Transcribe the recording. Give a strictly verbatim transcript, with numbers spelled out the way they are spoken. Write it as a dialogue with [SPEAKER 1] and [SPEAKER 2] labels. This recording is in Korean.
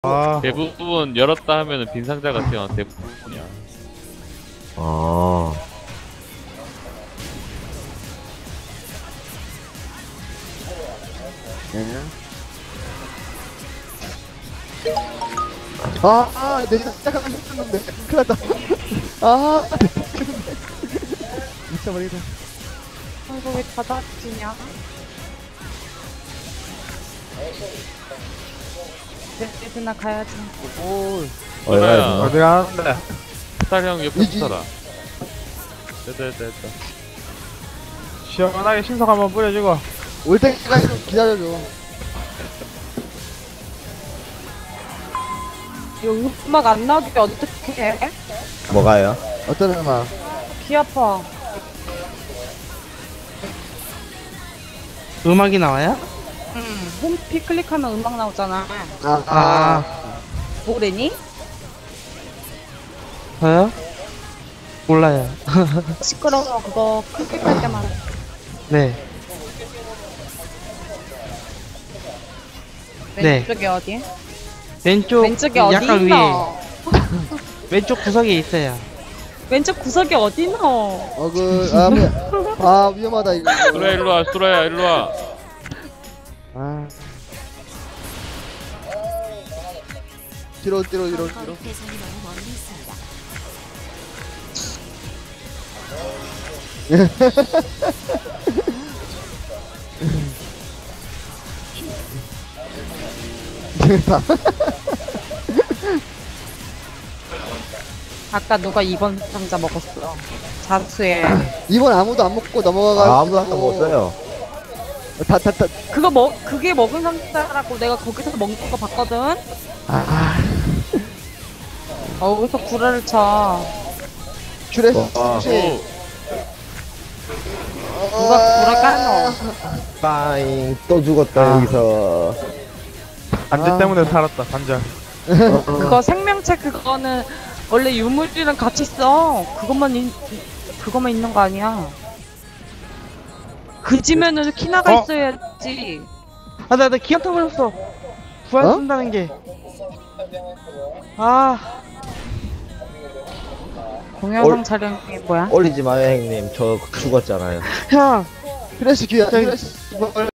[SPEAKER 1] 아,
[SPEAKER 2] 대부분 열었다 하면은 빈 상자가 튀어. 대부분이야.
[SPEAKER 3] 아.
[SPEAKER 4] 아, 아, 내 시작하면 했었는데. 큰일 났다. 아, 미쳐버리겠다.
[SPEAKER 5] 아이고 왜 닫아지냐? 네, 나 가야지.
[SPEAKER 4] 오,
[SPEAKER 2] 소라야,
[SPEAKER 1] 어디 가는데?
[SPEAKER 2] 스탈 형 옆에
[SPEAKER 4] 이지.
[SPEAKER 2] 붙어라. 됐다 됐다 됐다.
[SPEAKER 1] 시원하게 신속 한번 뿌려주고.
[SPEAKER 4] 올 때까지 좀 기다려줘.
[SPEAKER 5] 이거 음악 안 나오게 어떻게 해?
[SPEAKER 3] 뭐가요?
[SPEAKER 4] 어떤 음악?
[SPEAKER 5] 귀 아파.
[SPEAKER 6] 음악이 나와요?
[SPEAKER 5] 응. 홈피 클릭하면 음악 나오잖아.
[SPEAKER 4] 아,
[SPEAKER 6] 아,
[SPEAKER 5] 뭐래니?
[SPEAKER 6] 저요? 몰라요.
[SPEAKER 5] 시끄러워. 그거 클릭할 때마다.
[SPEAKER 6] 네. 네.
[SPEAKER 5] 왼쪽에 어디?
[SPEAKER 6] 왼쪽,
[SPEAKER 5] 왼쪽에 어디
[SPEAKER 6] 약간 위에.
[SPEAKER 5] 있노?
[SPEAKER 6] 왼쪽 구석에 있어요.
[SPEAKER 5] 왼쪽 구석에 어디 있노?
[SPEAKER 4] 어, 그, 아, 뭐, 아, 위험하다, 이거.
[SPEAKER 2] 소라야 일로 와. 소라야 일로 와.
[SPEAKER 4] 아. 뒤로, 뒤로, 뒤로, 뒤로.
[SPEAKER 5] 아까 누가 이 번 상자 먹었어. 자수해.
[SPEAKER 4] 이번 아무도 안 먹고 넘어가가지고.
[SPEAKER 3] 아, 아무도 아까 못 써요.
[SPEAKER 4] 다, 다, 다.
[SPEAKER 5] 그거 먹 그게 먹은 상자라고 내가 거기서 먹는 거 봤거든.
[SPEAKER 4] 아,
[SPEAKER 5] 어디서 구라를 쳐.
[SPEAKER 4] 큐레스,
[SPEAKER 3] 어, 아.
[SPEAKER 4] 혹시.
[SPEAKER 5] 누가 구라 까노?
[SPEAKER 3] 빠잉. 또 죽었다,
[SPEAKER 1] 아.
[SPEAKER 3] 여기서.
[SPEAKER 1] 반지
[SPEAKER 4] 아.
[SPEAKER 1] 때문에 살았다, 반지.
[SPEAKER 5] 그거 생명체 그거는 원래 유물이랑 같이 써. 그것만 있, 그것만 있는 거 아니야. 그지면은 키나가
[SPEAKER 1] 어?
[SPEAKER 5] 있어야지.
[SPEAKER 6] 아, 나, 나 기억 타버렸어. 부활
[SPEAKER 4] 어?
[SPEAKER 6] 쓴다는 게. 아,
[SPEAKER 5] 동영상
[SPEAKER 3] 올-
[SPEAKER 5] 촬영이 뭐야?
[SPEAKER 3] 올리지 마요, 형님. 저 죽었잖아요.
[SPEAKER 6] 형.
[SPEAKER 4] 큐레스 귀야,
[SPEAKER 6] 저기-
[SPEAKER 4] 큐레스.